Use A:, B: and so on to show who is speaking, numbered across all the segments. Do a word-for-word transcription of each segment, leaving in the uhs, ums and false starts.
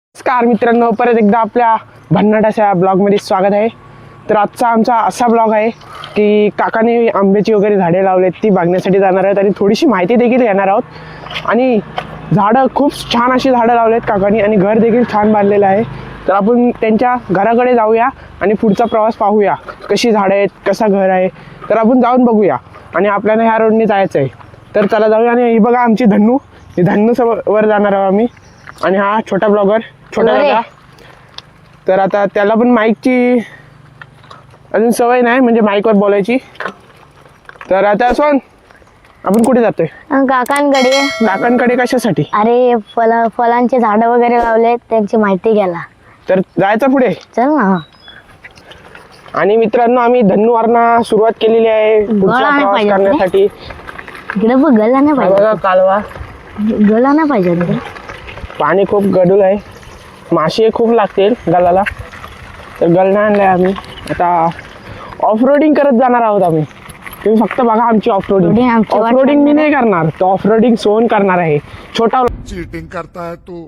A: नमस्कार मित्रांनो, परत एकदा आपल्या भन्नाटाच्या ब्लॉगमध्ये स्वागत आहे. तर आजचा आमचा असा ब्लॉग आहे की काकाने आंब्याची वगैरे झाडे लावलेत, ती बघण्यासाठी जाणार आहेत आणि थोडीशी माहिती देखील घेणार आहोत. आणि झाडं खूप छान अशी झाडं लावलेत काकांनी आणि घर देखील छान बांधलेलं आहे. तर आपण त्यांच्या घराकडे जाऊया आणि पुढचा प्रवास पाहूया, कशी झाडं आहेत, कसा घर आहे. तर आपण जाऊन बघूया आणि आपल्याला ह्या रोडने जायचं आहे. तर चला जाऊया. आणि ही बघा आमची धन्नू, ही धन्नू वर जाणार आहोत आम्ही. आणि हा छोटा ब्लॉगर, छोटा दादा. तर आता त्याला पण माईकची अजून सवय नाही, म्हणजे माईकवर बोलायची. तर आता सोन, आपण कुठे जातोय?
B: काकांकडे.
A: काकांकडे कशासाठी?
B: अरे फल फलांचे झाड वगैरे लावले, त्यांची माहिती घ्यायला.
A: तर जायचं पुढे,
B: चल ना.
A: आणि मित्रांनो आम्ही धन्नूवरनं सुरुवात केलेली आहे पुढचा प्रवास करण्यासाठी.
B: इकडे बघ, गळला नाही पाहिजे.
A: बघा कालवा,
B: गळला नाही पाहिजे तिकडे.
A: पाणी खूप गडूळ आहे, मासे खूप लागतील गलाला. तर गलना आणलाय आम्ही. आता ऑफ रोडिंग करत जाणार आहोत आम्ही. तुम्ही फक्त बघा आमची ऑफ रोडिंग. ऑफ रोडिंग मी नाही करणार, तो ऑफ रोडिंग सोन करणार आहे. छोटा
C: चीटिंग करता है तू,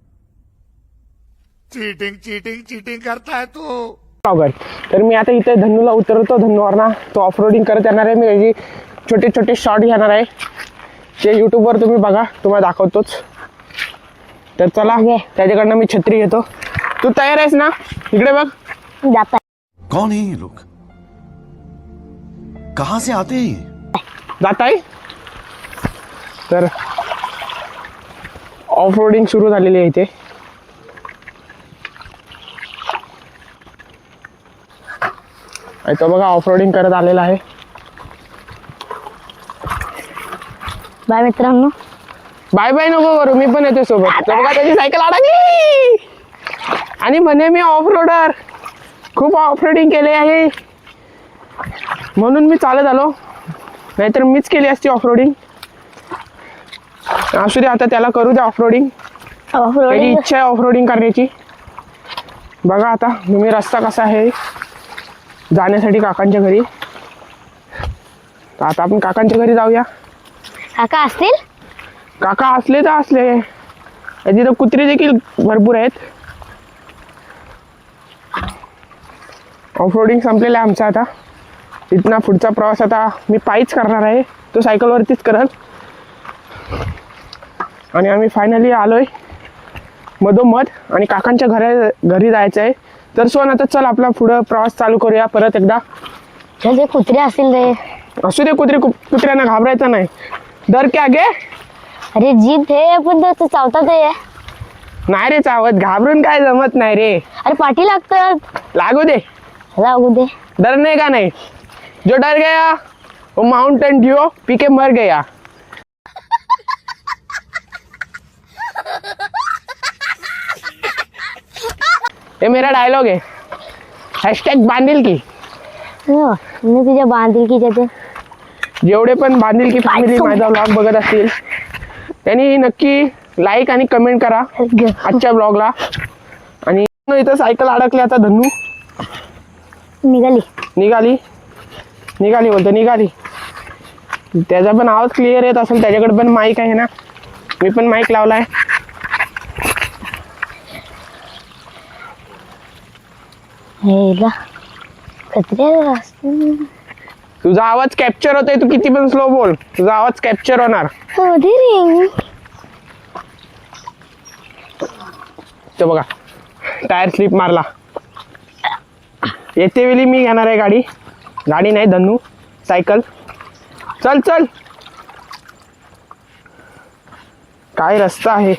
C: चीटिंग चीटिंग चीटिंग करता है तू.
A: ब्लॉगर. तर मी आता इथे धन्नूला उतरतो, धन्नूवरना तो ऑफ रोडिंग करत येणार आहे. मी त्याची छोटे छोटे शॉर्ट घेणार आहे, ते यूट्यूबवर तुम्ही बघा, तुम्हाला दाखवतोच. तर चला, त्याच्याकडनं मी छत्री घेतो. तू तयार आहेस ना? इकडे बघ.
B: जाता
D: कौन है ये लोग? कहां से आते हैं?
A: जात आहे. तर ऑफ रोडिंग सुरू झालेली आहे इथे. आणि तो बघा ऑफ रोडिंग करत आलेला आहे.
B: बाय मित्रांनो.
A: बाय बाय नको करू, मी पण येते सोबत. तो बघा त्याची सायकल अडकली आणि म्हणे मी ऑफ रोडर, खूप ऑफ रोडिंग केले आहे म्हणून मी चालत आलो, नाहीतर मीच केली असती ऑफ रोडिंग. असू दे, आता त्याला करू द्या ऑफ रोडिंग. त्याची इच्छा आहे ऑफ रोडिंग करण्याची. बघा आता तुम्ही रस्ता कसा आहे जाण्यासाठी काकांच्या घरी. तर आता आपण काकांच्या घरी जाऊया.
B: काका असतील?
A: काका असले तर असले, तिथं कुत्री देखील भरपूर आहेत. ऑफ रोडिंग संपलेलं आहे आमचा. आता इथना पुढचा प्रवास आता मी पायीच करणार आहे, तो सायकलवरतीच करल. आणि आम्ही फायनली आलोय मधोमध आणि काकांच्या घरा घरी जायचं आहे. तर सोन आता चल आपला पुढं प्रवास चालू करूया परत एकदा.
B: चल, ते कुत्रे असतील रे.
A: असू दे, कुत्रे कुत्र्यांना घाबरायचं नाही. डर क्या गे?
B: अरे जीत हे, पण तो चावतात आहे.
A: नाही रे चावत, घाबरून काय जमत नाही रे.
B: अरे पाठी लागतात.
A: लागू दे,
B: लागू दे.
A: डरने का नहीं, जो डर गया वो माउंटेन ड्यू पी के मर गया. ये मेरा डायलॉग है. हॅशटॅग बांधील की.
B: हो, मी तुझ्या बांधील की जाते.
A: जेवढे पण बांधील की फॅमिली माझा ब्लॉग बघत असतील त्यांनी नक्की लाईक आणि कमेंट करा आजच्या ब्लॉगला. आणि इथं सायकल अडकली. आता धन्नू
B: निघाली
A: निघाली निघाली बोलतो निघाली. त्याचा पण आवाज क्लिअर येत असेल, त्याच्याकडे पण माईक आहे ना, मी पण माईक लावलाय. तुझा आवाज कॅप्चर होतोय, तू किती पण स्लो बोल, तुझा आवाज कॅप्चर होणार. तो बघा टायर स्लिप मारला. येते वेळी मी घेणार आहे गाडी. गाडी नाही धन्नू, सायकल. चल चल, काय रस्ता आहे.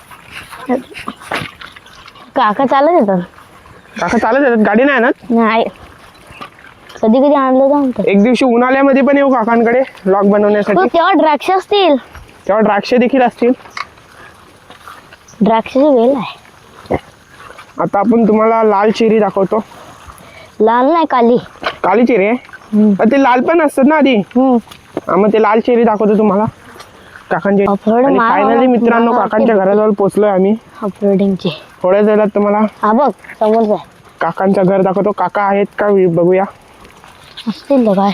B: काका चालत येतात.
A: काका चालत येतात, गाडी नाही ना.
B: नाही, कधी कधी आणलं जाऊन.
A: एक दिवशी उन्हाळ्यामध्ये पण येऊ काकांकडे व्लॉग बनवण्यासाठी.
B: तेव्हा द्राक्ष असतील.
A: तेव्हा द्राक्ष देखील असतील.
B: द्राक्षाची वेल आहे.
A: आता आपण तुम्हाला लाल चेरी दाखवतो.
B: लाल नाही, काली.
A: काली चेरी आहे, ते लाल पण असतात ना आधी. मग ते लाल चेरी दाखवतो तुम्हाला काकांचे. फायनली मित्रांनो काकांच्या घराजवळ पोहोचलोय आम्ही.
B: ऑफरोडिंगची
A: थोड्या वेळात तुम्हाला
B: हा बघ समोरच
A: काकांचं घर दाखवतो. काका आहेत का बघूया.
B: असतील काय.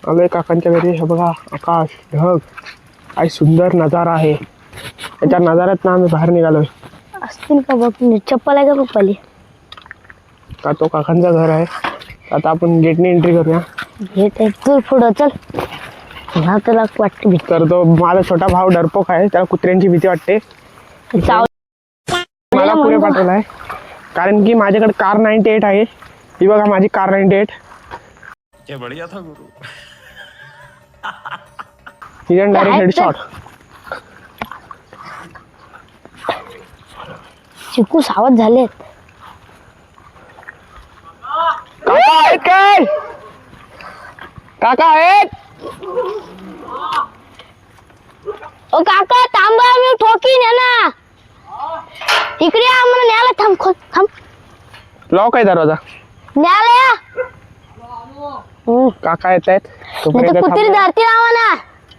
A: आलोय काकांच्या घरी. हे बघा आकाश ढग काय सुंदर नजारा आहे. त्याच्या नजाऱ्यात ना आम्ही बाहेर निघालोय.
B: असतील का बघ, चप्पल आहे का पप्पाली?
A: का तो काकांचं घर आहे. आता आपण गेटने एंट्री करूया.
B: घेत आहे तू पुढं चल. मला तुला वाटते भीती.
A: तर तो माझा छोटा भाऊ डरपोक आहे, त्याला कुत्र्यांची भीती वाटते.
B: चाव-
A: मला पुढे पाठवलं आहे कारण की माझ्याकडे कार नाईन्टी एट आहे. ही बघा माझी कार नाईन्टी एट. हिजन डायरेक्ट हेडशॉट.
B: चिकू सावध झालेत.
A: काका आहेत काय? काका आहेत?
B: ओ काका थांबा, मी ठोकीन आहे ना. इकडे या, आम्हाला न्यायला. थांब खोल थांब.
A: लॉक आहे दरवाजा.
B: न्यायला या. हम्म.
A: काका येत आहेत.
B: नाही तर कुत्री धरती राहा ना.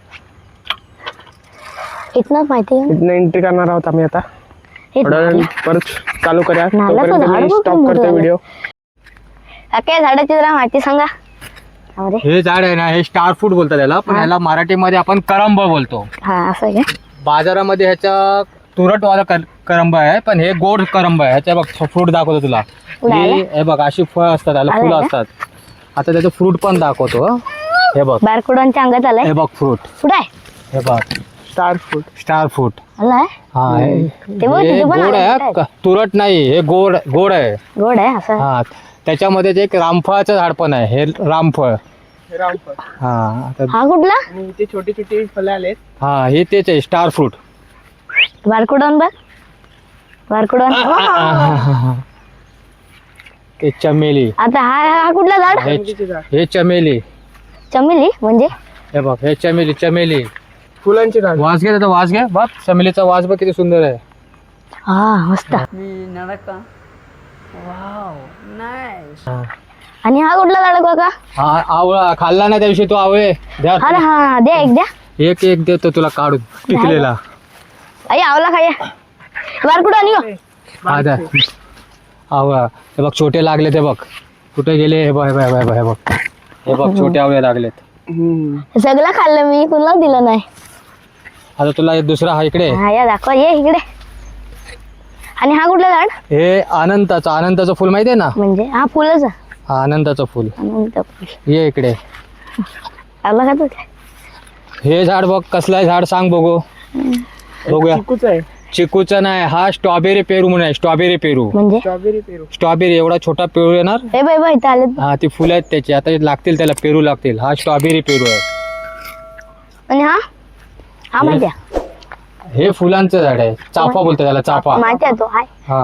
B: इथनच माहिती आहे.
A: इथनं एंट्री करणार आहोत आम्ही आता.
B: हे
A: थोड्या वेळ
B: नाला.
A: परत चालू करूया.
B: नाल्याचं
A: तोपर्यंत
B: झाड
A: मी
B: बघ
A: स्टॉप
B: किती
A: करतो
B: मोठं
A: व्हिडिओ.
B: काका झाडाची जरा माहिती सांगा. अरे
E: हे झाड आहे ना, हे स्टार फ्रूट बोलतात त्याला, पण
B: हा.
E: ह्याला मराठीमध्ये आपण करंब बोलतो.
B: हा असं आहे का?
E: बाजारामध्ये ह्याचा तुरटवाला कर करंब आहे, पण हे गोड करंब आहे. ह्याच्या बघ फ्रूट दाखवतो तुला. हे हे बघ अशी फळ असतात, त्याला
B: आलं
E: फुलं
B: का?
E: असतात. आता त्याचं फ्रूट पण दाखवतो. हं. हे बघ,
B: बारकुडांच्या अंगात आलाय.
E: हे बघ फ्रूट,
B: कुठं आहे?
E: हे बघ
A: स्टार फूड.
E: Star fruit.
B: आलाय.
E: हा हे
B: ते बघ,
E: हे
B: तिथे पण
E: गोड
B: आलं
E: आहे,
B: काय?
E: क- तुरट नाही. हे गोड गोड आहे.
B: गोड आहे असं.
E: हा त्याच्यामध्ये एक रामफळाचं झाड पण आहे. हे रामफळ.
A: रामफळ.
E: हा आता-
B: हा कुठला?
A: आणि इथे छोटी छोटी फळं आलेत.
E: हा हे तेच आहे स्टार फ्रूट.
B: बारकुडॉन बघ. बारकुडॉन.
E: ते चमेली.
B: आता हा हा कुठला झाड?
E: हे हे चमेली.
B: चमेली म्हणजे?
E: हे बघ हे चमेली चमेली.
A: फुलांची झाड.
E: वास घे त्याचा वास घे. बघ चमेलीचा वास बघ किती सुंदर आहे.
B: हा मस्त.
E: हा.
B: आणि हा कुठला झाड काका?
E: हा आवळा खाल्ला ना त्या दिवशी तू आवळे द्या.
B: हा ना, हा द्या एक द्या.
E: एक एक देतो तुला काढून पिकलेला.
B: आई आवला खाया. बारकुडॉन यो.
E: हा द्या आवळा. हे बघ छोटे लागले ते बघ. कुठे गेले हे बघ हे बघ हे बघ हे बघ हे बघ छोटे आवळे लागलेत.
A: हम्म.
B: सगळं खाल्लं मी, कुणाला दिलं नाही.
E: आता तुला एक दुसरा हा इकडे.
B: हा या दाखवा, ये इकडे. आणि हा कुठला झाड?
E: हे अनंताचं अनंताचं फुल माहिती आहे ना.
B: म्हणजे हा फुलच.
E: हा अनंताचं फुल.
B: अनंत फुल.
E: ये इकडे.
B: आवला खातो काय?
E: हे झाड बघ कसलं आहे झाड सांग बघू. बघूया.
A: चिकूच आहे.
E: चिकूचा नाही, हा स्ट्रॉबेरी पेरू म्हणून आहे. स्ट्रॉबेरी पेरू.
B: म्हणजे
A: स्ट्रॉबेरी पेरू.
E: स्ट्रॉबेरी एवढा छोटा पेरू येणार.
B: हे बाई बाई इथं आले.
E: हा ती फुलं आहेत त्याची. आता हे लागतील त्याला पेरू लागतील. हा स्ट्रॉबेरी पेरू आहे.
B: आणि हा हा माहिती आहे.
E: हे फुलांचं झाड आहे. चाफा बोलतात त्याला चाफा.
B: माहिती आहे तो हाय.
E: हा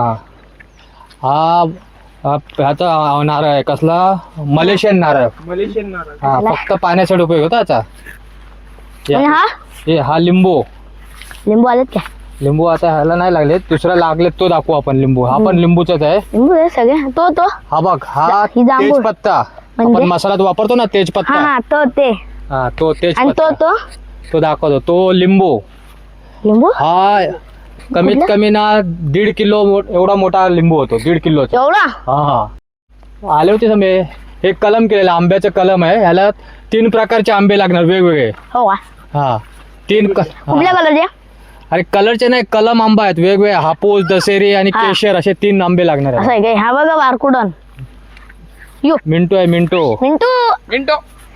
E: हा हा ह्याचा नारळ आहे. कसला? मलेशियन नारळ.
A: मलेशियन नारळ.
E: हा फक्त पाण्यासाठी उपयोग होता याचा.
B: आणि हा
E: हे हा लिंबू.
B: लिंबू आलेत काय?
E: लिंबू आता ह्याला नाही लागले, दुसरा लागलेत तो दाखवू आपण. लिंबू हा पण लिंबूचाच आहे.
B: लिंबू आहे सगळे. तो तो
E: हा बघ हा
B: ही जांभूळ.
E: तेजपत्ता.
B: म्हणजे?
E: आपण मसाल्यात वापरतो ना
B: हा
E: तेजपत्ता.
B: हा तो ते.
E: हा तो
B: आणि
E: तेजपत्ता.
B: तो तो
E: तो दाखवतो. तो लिंबू.
B: लिंबू
E: हा कमीत
B: कुठला?
E: कमी ना दीड किलो मो- एवढा मोठा लिंबू होतो. दीड किलोचा.
B: एवढा.
E: हा हा आले होते समजे. हे कलम केलेलं आंब्याचं कलम आहे. ह्याला तीन प्रकारचे आंबे लागणार वेगवेगळे.
B: हो का?
E: हा तीन क-
B: कुठल्या
E: हा.
B: कलरचे?
E: अरे कलरचे नाही, कलम आंबा आहेत वेगवेगळे. हापूस, दशेरी आणि
B: हा.
E: केशर असे तीन आंबे लागणार
B: असं
E: आहेत.
B: आहे काय? हा बघा बारकुडॉन. यो
E: मिंटू आहे मिंटू.
B: मिंटू.
A: मिनिटो.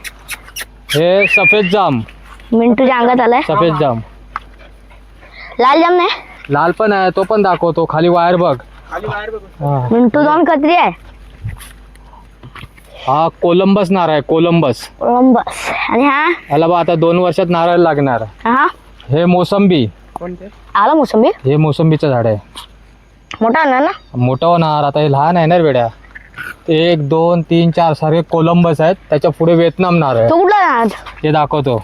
E: हे सफेद जाम.
B: मिंटूच्या अंगात आलाय.
E: सफेद जाम.
B: लाल जाम नाही.
E: लाल पण आहे, तो पण दाखवतो. खाली वायर बघ.
A: खाली बाहेर बघ.
E: हा.
B: मिंटू दोन कत्री आहे.
E: हा कोलंबस नारळ आहे. कोलंबस.
B: कोलंबस. आणि हा
E: याला बा आता दोन वर्षात नारळ लागणार.
B: हा
E: हे मोसंबी.
A: कोणते?
B: आला मोसंबी.
E: हे मोसंबीचं झाड आहे.
B: मोठा ना ना.
E: मोठं होणार आता. हे लहान आहे ना रे बेड्या. एक दोन तीन चार सारखे कोलंबस आहेत. त्याच्या पुढे व्हिएतनाम नारळ
B: तो कुठला झाड?
E: हे दाखवतो.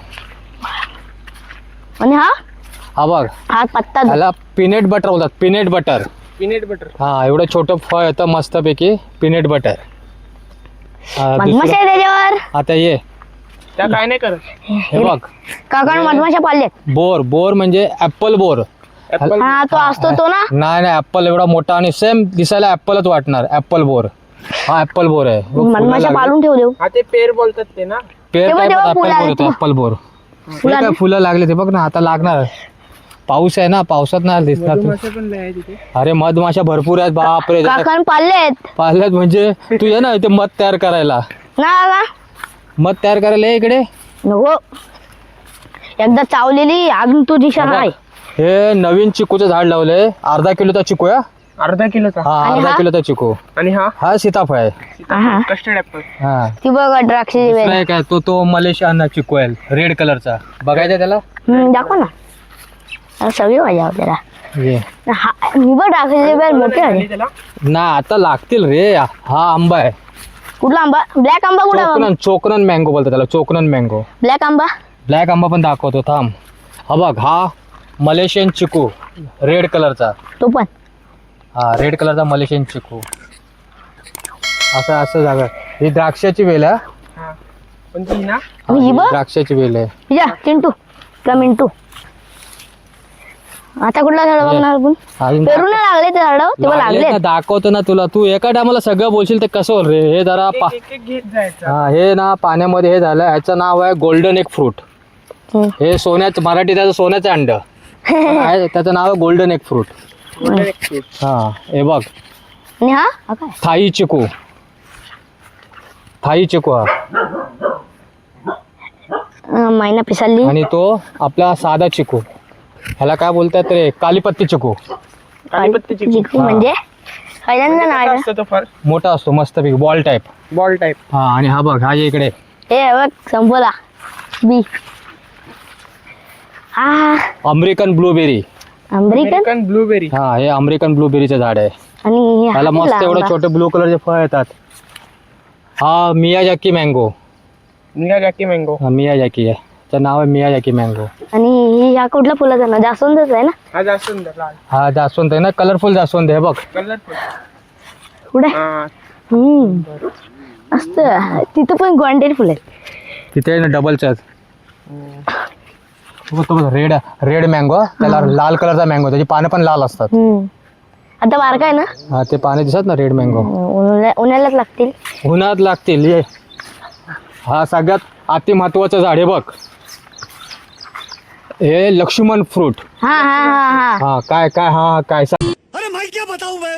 B: आणि हा
E: हा बघ
B: हा पत्ता.
E: ह्याला पीनट बटर बोलतात. Peanut butter.
A: Peanut butter.
E: हा एवढं छोटं फळ येतं मस्तपैकी. Peanut butter. हा,
B: मधमाशा
E: दुसरं-
B: आहे त्याच्यावर.
E: आता ये
A: त्या काय नाही करत.
E: हे बघ
B: काकाने मधमाशा पाळल्यात.
E: बोर. बोर म्हणजे ऍपल बोर.
A: ऍपल.
B: हा तो असतो तो ना.
E: नाही नाही ऍपल एवढा मोठा आणि सेम दिसायला ऍपलच वाटणार. ऍपल बोर. हा ऍपल बोर आहे. बघ, फुलं
B: मधमाशा
E: लागली.
B: पाळून ठेव देऊ.
A: हा ते पेर बोलतात ते ना.
E: पेर
B: तेव्हा-
E: काय
B: तेव्हा फुलं
E: ऍपल
B: आले
E: बोर होतो
B: तेव्हा.
E: ऍपल बोर हे
B: फुलं
E: काय
B: आले.
E: फुलं लागले ते बघ ना आता लागणार पाऊस आहे ना पावसात नाही दिसणार तू.
A: मधुमाशा पण लय आहे तिथे.
E: अरे मधमाशा भरपूर आहेत बापरे
B: काकान पाळलेत
E: पाहिल्यात म्हणजे तू ये ना इथे मध तयार करायला
B: ना का
E: मध तयार करायला ये इकडे
B: नको एकदा चावलेली अजून तू दिशा
E: बघ,
B: नाही
E: हे नवीन चिकूचं झाड लावलंय अर्धा किलोचा चिकू आहे
A: अर्धा किलोचा
E: हा
B: आणि
E: अर्धा
B: हा?
E: किलोचा चिकू
A: आणि हा
E: हा सीताफळ आहे
B: हा.
A: Custard apple.
E: हा
B: ती बघ द्राक्षाची
E: दुसरा
B: वेल
E: एक आहे तो तो मलेशियन चिकू आहे रेड कलरचा बघायचा त्याला
B: हम्म, दाखव ना अरे सगळी मजा आपल्याला
E: ये
B: हा मी बघ द्राक्षाची वेल मोठी आहे
A: त्याला
E: ना आता लागतील रे हा आंबा आहे
B: कुठला आंबा ब्लॅक आंबा कुठला
E: चोकनन चोकनन मँगो बोलतात त्याला चोकनन मँगो
B: ब्लॅक आंबा
E: ब्लॅक आंबा पण दाखवतो थांब हा बघ हा मलेशियन चिकू रेड कलरचा
B: तो पण
E: हा रेड कलरचा मलेशियन चिकू असं असं जागा ही द्राक्षाची वेल आहे
A: हा. पण ती ना
E: हा,
B: ही
E: ही
B: बघ.
E: द्राक्षाची वेल आहे
B: या चिंटू का मिंटू आता कुठला झाड बघणार आपण
E: अजून
B: पेरू नाही लागले ते झाड तेव्हा
E: लागलेत
B: लागले
E: ना, दाखवतो ना तुला तू एका टायमाला सगळं बोलशील ते कसं होईल रे हे जरा पा
A: एक एक घेत जायचं.
E: हा हे ना पाण्यामध्ये हे झालं ह्याचं नाव आहे गोल्डन एक फ्रूट हे सोन्याचं मराठी त्याचं सोन्याचं अंड आहे, त्याचं नाव आहे गोल्डन एक फ्रूट
A: Golden egg fruit.
E: हा हे बघ
B: आणि हा हा काय
E: थाई चिकू थाई चिकू हा
B: अं, मैना पिसाली
E: आणि तो आपला साधा चिकू ह्याला काय बोलतात रे कालीपत्ती चिकू
A: कालीपत्ती चिकू.
B: चिकू म्हणजे पहिल्यांदा
A: कसा
B: नाव
A: असतो तो फळ
E: मोठा असतो मस्तपैकी बॉल टाईप
A: बॉल टाईप.
E: हा आणि हा बघ हा जे इकडे
B: हे बघ संपला बी हा
E: American blueberry
B: American
A: American blueberry.
E: हा हे अमेरिकन ब्लूबेरीचं झाड आहे
B: आणि हे
E: त्याला
B: हा
E: मस्त
B: कुठला
E: एवढे
B: आंबा?
E: छोटे ब्लू कलरचे फळ येतात हा मियाजाकी मँगो
A: निघा जॅकी मँगो.
E: हा मियाजाकी आहे त्याचं नाव आहे मियाजाकी मँगो
B: आणि ही ह्या कुठल्या फुलाचा ना जास्वंदच आहे ना
A: हा जास्त सुंदर लाल
E: हा जास्वंद आहे ना कलरफुल जास्वंद आहे बघ
A: कलरफुल.
B: पुढे
A: हा
B: हम्म मस्त तिथं पण ग्वांडेड फुल आहेत
E: तिथे ना डबलच्या रेड रेड मँगो त्याला लाल कलरचा मँगो त्याची पानं पण लाल असतात
B: हम्म आता बारका आहे ना
E: हा ते पाने दिसत ना रेड मँगो
B: उन्हाळ्या- उन्हाळ्यात लागतील
E: उन्हात लागतील ये हा सगळ्यात अति महत्वाचं झाड आहे बघ हे लक्ष्मण फ्रूट
B: हा हा हा हा
E: हा काय काय हा हा, काय सांग
C: अरे मैं क्या बताऊं मैं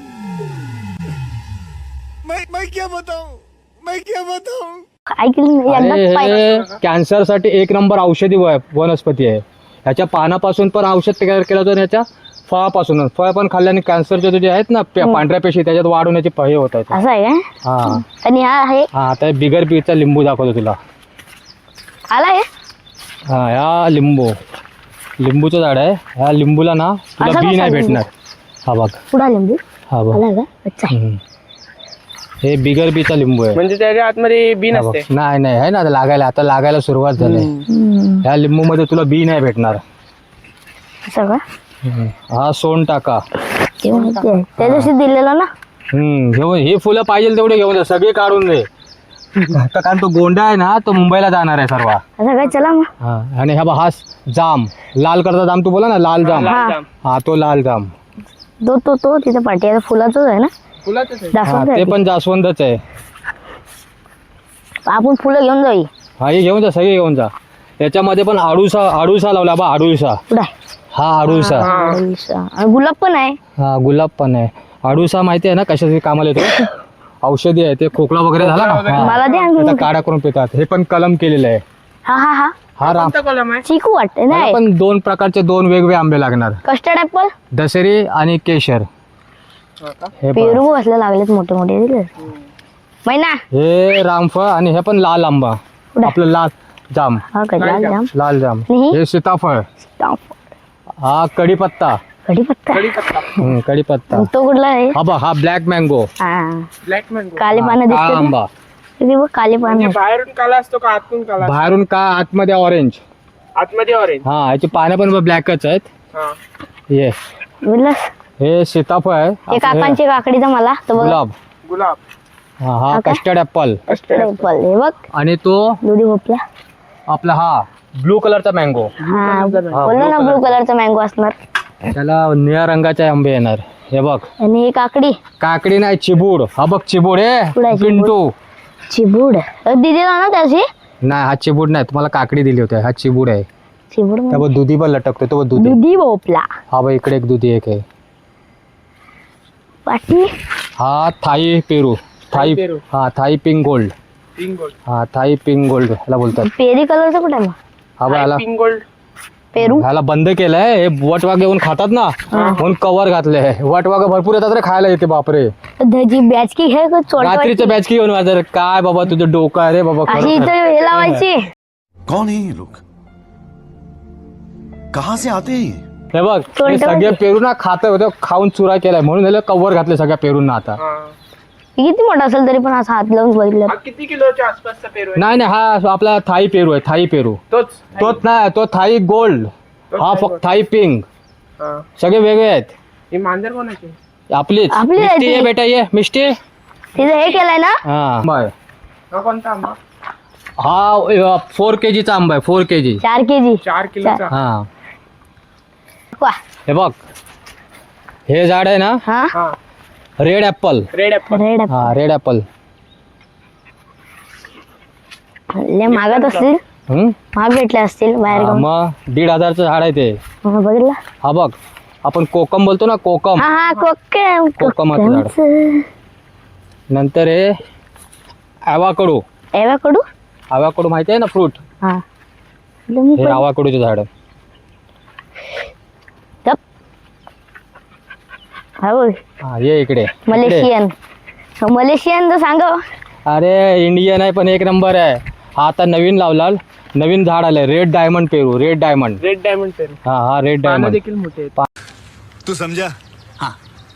C: मैं मैं क्या बताऊं मैं क्या बताऊं
B: ऐकलं नाही
E: अरे
B: एकदा पाय
E: हे कॅन्सर साठी एक नंबर औषधी व- वनस्पती आहे ह्याच्या पानापासून पण औषध तयार केलं जातं आणि ह्याच्या फळापासून फळ पण खाल्ल्याने कॅन्सरचे जे आहेत ना पे- पांढऱ्या पेशी त्याच्यात वाढवण्याचे हे होत आहेत
B: असं आहे का
E: हा
B: आणि हा आहे
E: हा आता हे बिगर बीचा लिंबू दाखवतो तुला
B: आला आहे
E: हा ह्या लिंबू लिंबूचं झाड आहे ह्या लिंबूला ना तुला
B: असा
E: बी
B: कसा
E: नाही
B: लिंबू?
E: भेटणार हा बघ
B: पुढा लिंबू
E: हा बघ
B: आला का अच्छा
E: हम्म. हे बिगर बीचा लिंबू आहे
A: म्हणजे त्याच्या आतमध्ये बी
E: हा बघ.
A: नसते.
E: नाही नाही आहे ना आता लागायला आता लागायला सुरुवात झाली
B: हम्म.
E: ह्या लिंबू मध्ये तुला बी नाही भेटणार
B: असं का
E: हम्म. हा सोन टाका
B: ते माहिती आहे त्या दिवशी दिलेलं ना
E: हम्म घेऊन ही फुलं पाहिजे तेवढे घेऊन जा सगळे काढून दे आता कारण तो गोंडा आहे ना तो मुंबईला जाणार आहे सर्व
B: असं काय चला मग
E: हा आणि हा बघ हा जाम लाल कलरचा जाम तू बोला ना लाल जाम
B: हा.
A: जाम.
E: हा तो लाल जाम
B: तो तो तो तिथं पाठी आहे फुलाचंच आहे ना
A: फुलाचंच आहे.
E: हा
B: दाखवून
E: ते
B: द्या
E: पण जास्वंदच आहे
B: आपण फुलं घेऊन जाऊ
E: हा हे घेऊन जा सगळे घेऊन जा याच्यामध्ये पण आडूसा आडूसा लावला बा आडूसा
B: पुढे
E: हा आडूसा
B: आणि गुलाब पण आहे
E: हा गुलाब पण आहे आडूसा माहिती आहे ना कशासाठी कामाला येतो औषधी आहे ते खोकला वगैरे झाला ना हा.
B: मला दे आणून.
E: त्याचा काढा करून पितात हे पण कलम केलेलं आहे
B: हा हा हा
E: हा राम
A: कोणता कलम आहे?
B: चिकू वाटते
E: मला
B: नाही
E: पण दोन प्रकारचे दोन वेगवेगळे आंबे लागणार
B: कस्टर्ड ऍपल
E: दशेरी आणि केशर
A: हा का?
E: हे पण
B: पेरू बसले लागलेत मोठे मोठे दिले मैना
E: हे रामफळ आणि हे पण लाल आंबा
B: कुठे?
E: आपलं लाल जाम
B: हा का लाल जाम
E: लाल जाम
B: आणि?
E: हे सीताफळ हा कढीपत्ता
B: कढीपत्ता
A: कढीपत्ता.
E: हम्म, कढीपत्ता
B: तो कुठला आहे
E: हा बघ हा ब्लॅक मँगो
B: हा
A: ब्लॅक मँगो.
B: काले पानं
E: काळा
B: दिसते
E: आंबा
B: ते बघ काले पानं
A: म्हणजे बाहेरून काला असतो का आतून काला असतो?
E: बाहेरून का आतमध्ये ऑरेंज
A: आतमध्ये ऑरेंज.
E: हा याची पानं पण ब्लॅकच आहेत
A: हा
E: ये
B: बोललास
E: हे सीताफळ आहे
B: ते
E: आपलं हे
B: काकांचे काकडीचा मला तो बघ
E: गुलाब
A: गुलाब.
E: हा हा
B: हा का?
E: कस्टर्ड ऍपल
B: कस्टर्ड ऍपल हे बघ
E: आणि तो
B: दुधी भोपळा
E: आपला हा ब्लू कलरचा मँगो
B: हा बोललो
E: blue
B: ना ब्लू कलरचा मँगो असणार
E: त्याला निळ्या रंगाचे आंबे येणार हे बघ
B: आणि ही काकडी
E: काकडी नाही चिबूड हा बघ चिबूड
B: कुठं
E: हे
B: आहे चिबूड?
E: पिंटू
B: चिबूड दिदीला ना त्याशी
E: नाही हा चिबूड नाही, तुम्हाला काकडी दिली होती, हा चिबूड आहे.
B: चिबूड म्हणजे?
E: त्या बघ दुधी पण लटकतो, तो बघ दुधी.
B: दुधी भोपला.
E: हा बघ इकडे एक दुधी एक आहे.
B: बाकी
E: हा थाई पेरू, थाई
A: पेरू.
E: हा Thai pink gold.
A: Pink gold.
E: हा थाई पिंक गोल्ड ह्याला बोलतात.
B: पेरी कलरचं कुठे आहे मग?
E: हा बघ ह्याला
A: पिंक गोल्ड.
B: पेरू
E: ह्याला बंद केलंय, हे वटवाघ येऊन खातात ना म्हणून कवर घातलंय. वटवाघ भरपूर येतात रे खायला, येते बापरे.
B: जी बॅचकी घे चोरट
E: रात्रीचं बॅच की येऊन माझं काय बाबा तुझं डोकं आहे रे बाबा
B: अशी
E: खरं.
B: इथं हे लावायची.
D: कौन है ये लोग? कहाँ से आते हैं ये?
E: हे बघ हे सगळे पेरू ना खात होते, खाऊन चुरा केलाय म्हणून ह्याला कवर घातले सगळ्या पेरूंना आता.
A: हा.
B: किती मोठा असेल तरी पण असं हात लावून बघितलं.
A: हा किती किलोच्या आसपासचा पेरू आहे?
E: नाही नाही हा आपला थाई पेरू आहे, थाई पेरू.
A: तोच.
E: तोच नाही, तो थाई गोल्ड, हा फक्त थाई पिंक,
A: हा.
E: सगळे वेगळे आहेत.
A: ही मांजर कोणाची?
E: आपलीच
B: आपली आहे
E: मिष्टी
B: ती.
E: आहे बेटा, ये मिष्टी.
B: तिचं हे केलंय ना.
E: हा बाय.
A: हा कोणता आंबा?
E: हा फोर के जीचा आंबा आहे, फोर के जी.
B: चार के जी.
A: चार किलोचा.
E: हा
B: वा.
E: हे बघ हे झाड आहे ना,
B: हा
A: हा.
E: Red apple.
A: Red apple.
B: Red
E: हा रेड ऍपल.
B: लय मागत असतील,
E: हम्म
B: महाग भेटले असतील बाहेर
E: हा,
B: गावून.
E: मग दीड हजारचं झाड आहे ते.
B: हा, बघितलं.
E: हा बघ आपण कोकम बोलतो ना, कोकम.
B: हा हा कोकम.
E: कोकमाचं झाड.
B: कोकमचं.
E: नंतर हे ॲवाकडू.
B: एवाकडू.
E: ॲवाकडू माहिती आहे ना, फ्रूट.
B: हा तुम्ही
E: हे
B: पण-
E: ॲवाकडूचे झाड.
B: गप. हा बोल.
E: हा ये इकडे इकडे.
B: मलेशियन. मलेशियन तर सांग.
E: अरे इंडियन आहे पण एक नंबर आहे. हा आता नवीन लावला, नवीन झाड आलंय, रेड डायमंड पेरू. Red diamond.
A: रेड डायमंड पेरू.
E: हा हा रेड
A: पानं
E: डायमंड.
A: देखील मोठे आहेत.
C: तू समझा? हाँ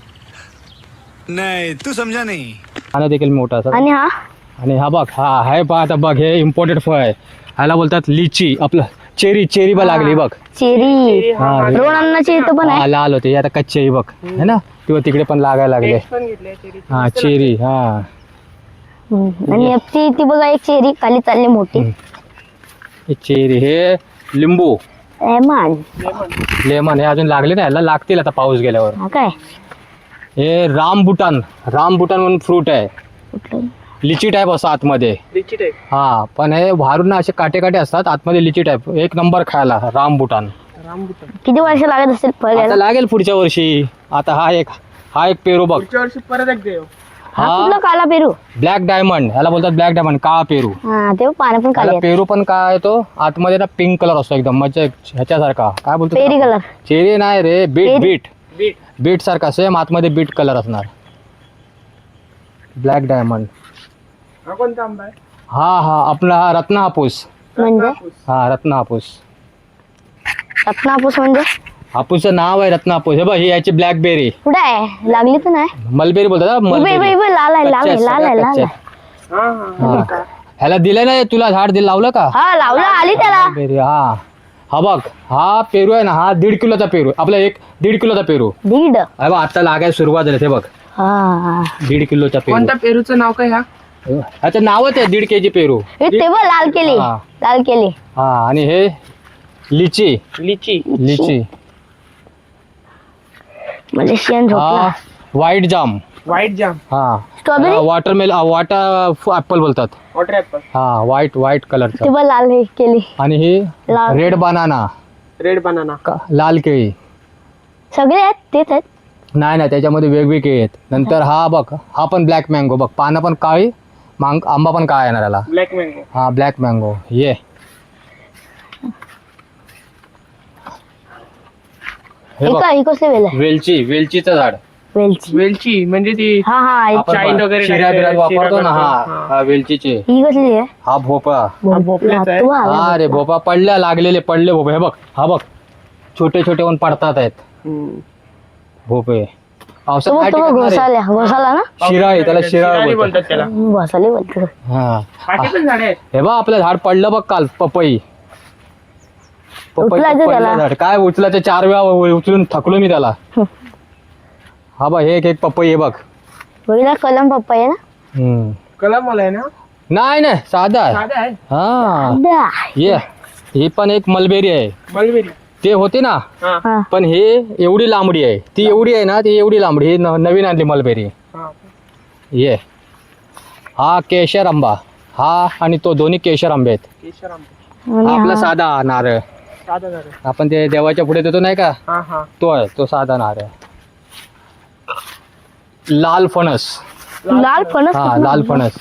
C: नहीं तू समझा नहीं.
E: पानं देखील मोठा असं.
B: आणि हा
E: आणि हा बघ, हा आहे पहा आता बघ, हे इम्पोर्टेड फळ आहे. ह्याला बोलतात लिची. आपलं चेरी, चेरी बा लागली बघ.
B: चेरी.
E: हा
B: रोण अन्नाची इथं पण
E: हा,
B: आहे.
E: लाल होते आता कच्चे ही बघ है ना, किंवा तिकडे पण लागायला लागले.
A: टेस्ट पण घेतले चेरी.
E: हा चेरी. हा
B: हम्म. आणि ती ती बघा एक चेरी खाली चालली मोठी.
E: हे चेरी. हे लिंबू,
B: एमान.
E: लेमन. हे अजून लागले नाही, ह्याला लागतील आता पाऊस गेल्यावर.
B: हा काय
E: हे रामबुटान. रामबुटान म्हणून फ्रूट आहे,
B: कुठलं?
E: लिची टाईप असं आतमध्ये.
A: लिची टाईप.
E: हा पण हे बाहेरून ना असे काटे काटे असतात, आतमध्ये लिची टाईप. एक नंबर खायला रामबुटान.
A: रामबुटान.
B: किती वर्ष लागत असतील फळ
E: आता
B: घ्यायला?
E: लागेल पुढच्या वर्षी. आता हा एक हा एक पेरू बघ.
A: पुढच्या वर्षी परत एक देव.
B: हा
E: हा
B: कुठला काला पेरू?
E: ब्लॅक डायमंड, ह्याला बोलतात ब्लॅक डायमंड, काळा पेरू.
B: हा ते पानं पण
E: त्याला
B: काली आहेत.
E: पेरू पण काय तो आतमध्ये ना पिंक कलर असतो एकदम, म्हणजे ह्याच्यासारखा. काय बोलतो
B: पेरी
E: त्याला?
B: कलर.
E: चेरी नाही रे, बीट.
B: पेरी.
E: Beet
A: beet.
E: बीट सारखा सेम, आतमध्ये बीट कलर असणार. Black diamond.
A: हा कोणता आंबा आहे?
E: हा हा आपला हा रत्न हापूस.
B: म्हणजे
E: हा रत्न हापूस.
B: रत्नापूस म्हणजे
E: हापूसचं नाव आहे रत्न हापूस. हे बघ ही याची ब्लॅकबेरी.
B: कुठे आहे? लागली तर नाही.
E: मलबेरी बोलतात ना,
B: इबे-
E: मलबेरी.
B: इबे- इबे लाल आहे, लाल
E: कच्चे
B: आहे,
E: आहेत,
B: लाल आहे,
E: सगळ्या
B: लाल
E: कच्चे
B: आहे.
E: आहेत.
A: हा हा.
E: हा. ह्याला दिलं नाही तुला झाड, दिलं लावलं का?
B: हा लावला, आली त्याला.
E: बेरी. हा हा बघ हा पेरू आहे ना, हा दीड किलोचा पेरू. आपला एक दीड किलोचा पेरू.
B: दीड.
E: अरे बघ आता लागायला सुरुवात झाली. हे बघ
B: हा
E: दीड किलोचा पेरू.
A: कोणत्या पेरूचं नाव काय? ह्या
E: ह्याचं नावच आहे दीड केजी पेरू.
B: हे तेव्हा लाल केली.
E: हा.
B: लाल केली.
E: हा आणि हे लिची.
A: लिची.
E: लिची.
B: मलेशियन
E: हा
B: झोपला.
E: व्हाईट जाम.
A: व्हाईट जाम.
E: हा
B: स्ट्रॉबेरी.
E: वॉटरमेल वॉटर ऍपल बोलतात.
A: Water apple.
E: हा व्हाईट व्हाईट कलरचा.
B: तेव्हा लाल हे केली.
E: आणि ही
B: लाल.
E: Red banana,
A: red banana.
E: लाल केळी.
B: सगळे आहेत तेच आहेत.
E: नाही नाही त्याच्यामध्ये वेगवेगळे केळी आहेत. नंतर हा बघ, हा पण ब्लॅक मँगो बघ, पानं पण काळी, मांग आंबा पण काळा येणार याला.
A: Black mango.
E: हा ब्लॅक मँगो. ये हे
B: हे
E: बघ
B: काय? हे कसले वेल आहे?
E: वेलची. वेलचीचं झाड.
B: वेलची.
A: वेलची म्हणजे ती
B: हा हा हे-
E: आपण
A: चाईन वगैरे
E: शिऱ्या बिऱ्यात
A: टाकते,
E: वापरतो ना.
A: शिरा
E: हा
A: करतो.
E: हा वेलचीचे.
B: ही कसली आहे?
E: हा भोपळा.
A: भोपळ्याचा आहे.
B: तू आला.
E: हा रे भोपळा पडल्या, लागलेले पडले भोपळे. हे बघ हा बघ छोटे छोटे होऊन पडतात आहेत
A: हम्म.
E: भोपळे. पावसात
B: तो
E: काय
B: तो
E: टिकणार आहे?
B: घोसाल्या घोसाला ना.
E: शिरा आहे त्याला, शिरा
A: शिराळी
E: बोलतात.
A: बोलतात त्याला.
B: घोसाली बोलतो.
E: हा
A: बाकी पण झाडे आहेत.
E: हे बघ आपलं झाड पडलं बघ काल, पपई. पपई
B: उचलायचं
E: पडलं
B: त्याला.
E: झाड. काय उचलायचं, चार वेळा उ- उचलून थकलो मी त्याला. हा बघ हे एक एक पपई आहे बघ.
B: बघितला कलम पप्पा आहे ना.
E: हम्म.
A: कलम मला आहे ना.
E: नाही नाही साधा आहे.
A: साधा आहे.
E: हा
B: दा.
E: ये ही पण एक मलबेरी आहे.
A: मलबेरी.
E: ते होती ना,
A: हा
B: हा.
E: पण हे एवढी लांबडी आहे. ती एवढी आहे ना, ती एवढी लांबडी. ही न- नवीन आणली मलबेरी.
A: हा.
E: ये हा केशर आंबा. हा आणि तो दोन्ही केशर आंबे आहेत.
A: केशर आंबे.
E: हा
B: आणि
E: आपला
B: हा-
E: साधा नारळ
A: साधा झालं.
E: आपण ते देवाच्या पुढे देतो नाही का,
A: हा हा.
E: तो आहे तो साधा नारळ. लाल फणस.
B: लाल फणस
E: हा
B: कुठलं?
E: लाल फणस.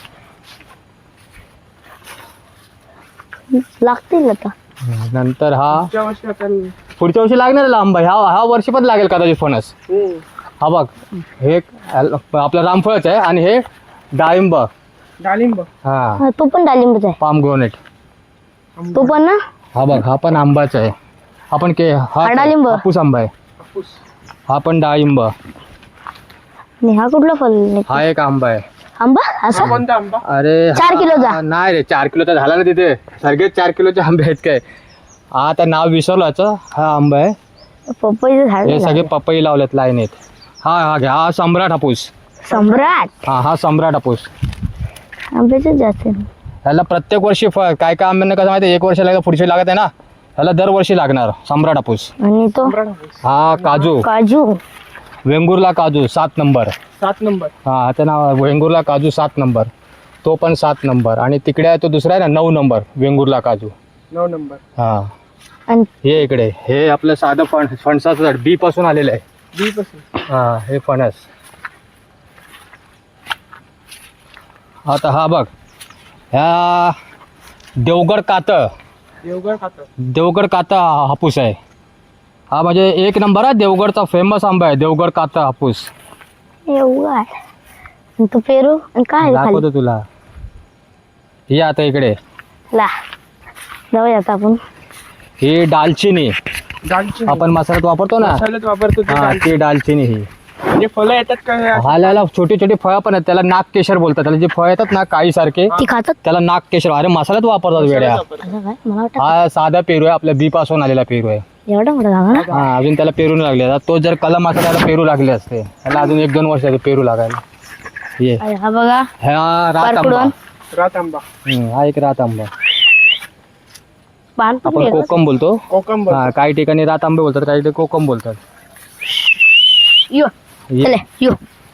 B: लागतील आता.
E: नंतर हा
A: पुढच्या वर्षी आपण
E: पुढच्या वर्षी लागणार आंबा, ह्या ह्या वर्षी पण लागेल कदाचित फणस.
A: हम्म.
E: हा बघ हे आपलं रामफळच आहे आणि हे डाळिंब.
A: डाळिंब.
E: हा
B: हा, तो पण डाळिंबच आहे.
E: Pomegranate.
B: तो पण ना.
E: हा बघ हा पण आंबाच आहे. हा पण के हा
B: हा डाळिंब.
E: हापूस आंबा आहे.
A: हापूस.
E: हा पण डाळिंब.
B: आणि हा कुठला फल?
E: हा एक आंबा आहे.
B: आंबा असा.
A: कोणता आंबा?
E: अरे
B: चार
E: हा-
B: किलोचा?
E: नाही रे, चार किलोचा झाला ना तिथे. सगळे चार किलोचे आंबे आहेत काय. हा आता नाव विसरलो याचं. हा आंबा आहे.
B: पपईचं झाड
E: हे सगळे
B: आहे.
E: पपई लावलेत लाईनीत. हा हा घ्या हा सम्राट हापूस.
B: सम्राट.
E: हा हा सम्राट हापूस.
B: आंब्याचं जास्त आहे.
E: ह्याला प्रत्येक वर्षी फळ, काय काय आंब्यांना कसं माहिती आहे, एक वर्ष लागत पुढची लागत आहे ना, ह्याला दरवर्षी लागणार सम्राट हापूस.
B: आणि तो
E: हा काजू.
B: काजू.
E: वेंगुर्ला काजू सात नंबर.
A: सात नंबर.
E: हा आता नाव वेंगुर्ला काजू सात नंबर. तो पण सात नंबर. आणि तिकडे आहे तो दुसरा आहे ना नऊ नंबर वेंगुर्ला काजू.
A: नऊ नंबर.
E: हा
B: आणि
E: हे इकडे हे आपलं साधं फण फणसाचं झाड बी पासून आलेलं आहे.
A: बी पासून.
E: हा हे फणस. आता हा बघ ह्या देवगड कात
A: देवगड खातं.
E: देवगड काता हापूस आहे. हा म्हणजे एक नंबर आहे देवगडचा फेमस आंबा आहे देवगड काता हापूस.
B: एवढा आहे. आणि तो पेरू आणि काय आहे खाली?
E: दाखवतो तुला. हे आता इकडे
B: ला जाऊया आता आपण.
E: ही दालचिनी
A: दालचिनी.
E: आपण मसाल्यात वापरतो ना,
A: मसाल्यात वापरतो ते
E: हा
A: दालचिनी.
E: ती दालचिनी ही.
A: म्हणजे फळं येतात का हे?
E: हाला छोटे छोटे फळं पण आहेत, त्याला नागकेशर बोलतात. त्याला जे फळ येतात ना काळी सारखे
B: ती खातात.
E: त्याला नागकेशर. अरे मसाल्यात वापरतात वेड्या.
A: मसाल्यात वापरतात.
B: असं काय मला वाटतं
E: हा साधा पेरू आहे, आपल्या बी पासून आलेला पेरू आहे.
B: एवढा मोठा झाला ना.
E: हा अजून त्याला पेरू नाही लागले. आता तो जर कलम असता त्याला पेरू लागले असते. त्याला अजून एक दोन वर्ष झाले पेरू लागायला. ये
B: अरे हा बघा.
E: हा रात आंबा.
B: पारकुडून.
A: रात आंबा.
E: हम्म, हा एक रात आंबा.
B: पान पण
E: आपण
B: वेगळं.
E: कोकम बोलतो.
A: कोकम.
E: हा काही ठिकाणी रात आंबे बोलतात, काही ठिकाणी कोकम बोलतात.
B: यो
E: ये.
B: चले यो.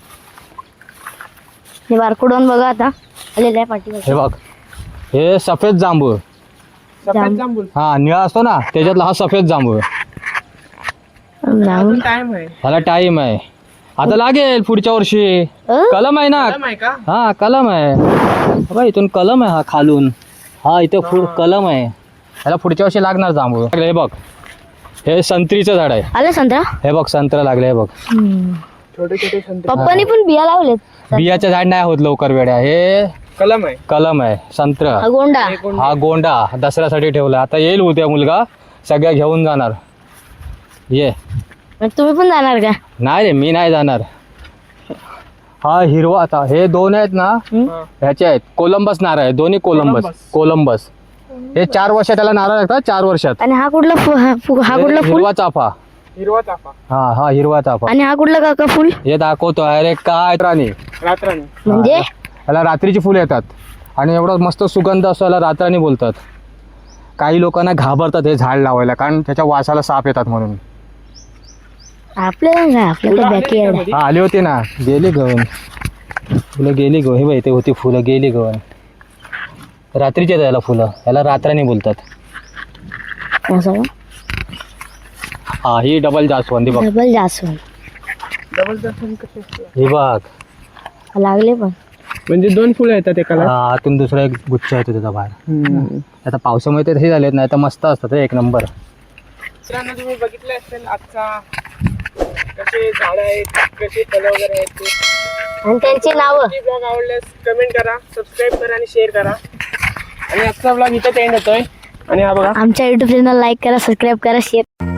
B: हे बारकुडून बघा आता आलेलं आहे पाठीवर.
E: हे बघ हे सफेद जांभूळ.
A: सफेद जांभूळ.
E: हा निळा असतो ना त्याच्यातला हा सफेद जांभूळ.
B: जांभूळ.
A: टाइम आहे.
E: ह्याला टाइम आहे. आता लागेल पुढच्या वर्षी.
B: अ?
E: कलम आहे ना.
A: टाइम आहे का?
E: हा कलम आहे. बघा इथून कलम आहे. हा खालून हा इथे फुल कलम आहे. ह्याला पुढच्या वर्षी लागणार जांभूळ. हे बघ हे संत्रीचं झाड आहे.
B: आलं संत्रा.
E: हे बघ संत्र लागले. हे बघ
A: छोटे छोटे संत्री.
B: पप्पानी पण बिया लावलेत.
E: बियाचं झाड नाही होत लवकर वेड्या. हे
A: कलम आहे.
E: कलम आहे संत्र.
B: हा गोंडा.
E: हा गोंडा दसऱ्यासाठी ठेवला. आता येईल उद्या मुलगा सगळ्या घेऊन जाणार. ये.
B: मग तुम्ही पण जाणार का?
E: नाही रे मी नाही जाणार. हा हिरवा. आता हे दोन आहेत ना
A: हा.
E: ह्याचे आहेत कोलंबस नारळ आहे. दोन्ही कोलंबस.
A: कोलंबस.
E: कोलंबस हे चार वर्षात त्याला नारळ लागतात. चार वर्षात.
B: आणि हा कुठला फु- हा फु- हा कुठला फुल?
E: हिरवा चाफा.
A: हिरवा चाफा.
E: हा हा हिरवा चाफा.
B: आणि हा कुठला काका फुल?
E: हे दाखवतो. अरे काय राणी.
A: रात्राणी.
B: म्हणजे
E: ह्याला रात्रीची फुलं येतात आणि एवढा मस्त सुगंध असतो. याला रात्राणी बोलतात. काही लोकांना घाबरतात हे झाड लावायला कारण त्याच्या वासाला साप येतात म्हणून.
B: आपल्याला काय आपल्याला बॅकी आहे.
E: हा आली होती ना गेली गवन. फुलं गेली गो. हे बाई ते होती फुलं गेली गवन. रात्रीचे आहेत याला फुलं. याला रात्राणी बोलतात.
B: असं का?
E: हा ही डबल जास्वंदी बघ.
B: डबल जास्वंद.
A: डबल दर्शन कसे असते?
E: ही बघ.
B: लागले पण.
A: म्हणजे दोन फुलं येतात एकाला.
E: हा, आतून दुसरा एक गुच्छ येतो त्याचा बाहेर. आता पावसामुळे ते तसे झालेत नाही तर मस्त असतात हे, एक नंबर.
A: मित्रांनो तुम्ही बघितलं असेल आजचा कसे झाडं आहेत कसे फळं वगैरे आहेत ते.
B: आणि त्यांची नावं.
A: ब्लॉग आवडल्यास कमेंट करा, सबस्क्राईब करा आणि शेअर करा. आणि आजचा ब्लॉग इथं एंड होतोय. आणि हा बघा
B: आमच्या युट्यूब चॅनल लाईक करा, सबस्क्राईब करा, शेअर